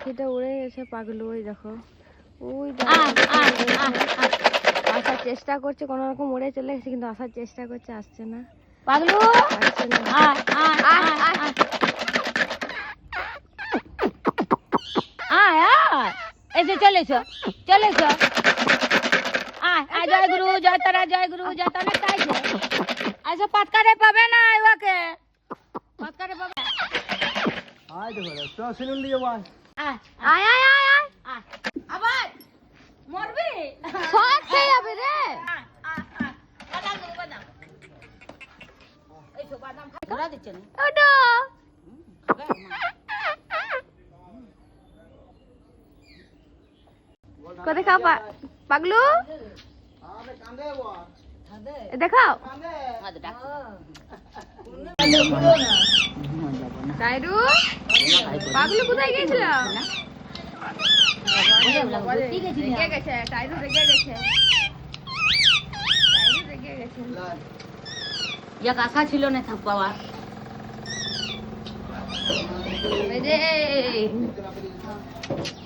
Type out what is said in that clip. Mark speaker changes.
Speaker 1: পাখিটা উড়ে গেছে পাগলু, ওই দেখো ওই আসার চেষ্টা করছে, কোনো রকম উড়ে চলে গেছে কিন্তু আসার চেষ্টা করছে, আসছে না
Speaker 2: পাগলু
Speaker 1: আসছে না।
Speaker 2: আয় আয়, এসে চলেছো চলেছো, আয় আয়, জয় গুরু জয় তারা, জয় গুরু জয় তারা, চাইছে আচ্ছা পাতকারে পাবে না ওকে, পাতকারে পাবে।
Speaker 3: আয় দেখো তো সিনুন দিয়ে ভাই
Speaker 2: আয়
Speaker 1: আয় আয় আয় আয়,
Speaker 2: আয়, আবার মরবি,
Speaker 1: সব খেয়ে যাবে রে।
Speaker 2: আয় আয় আয়, বাদাম দেবো বাদাম, এই তো বাদাম খাই, ঘোরা দিচ্ছে না
Speaker 1: ওটো কোথায় খাও পাগলু,
Speaker 3: আরে কান্দে বাবা
Speaker 1: এ দেখাও টাইরু, পাগলু কোথায় গেছিল? রেগে গেছে টাইরু, রেগে গেছে টাইরু, রেগে গেছে।
Speaker 2: এক আশা ছিল না থাক পাওয়া,
Speaker 1: এই যে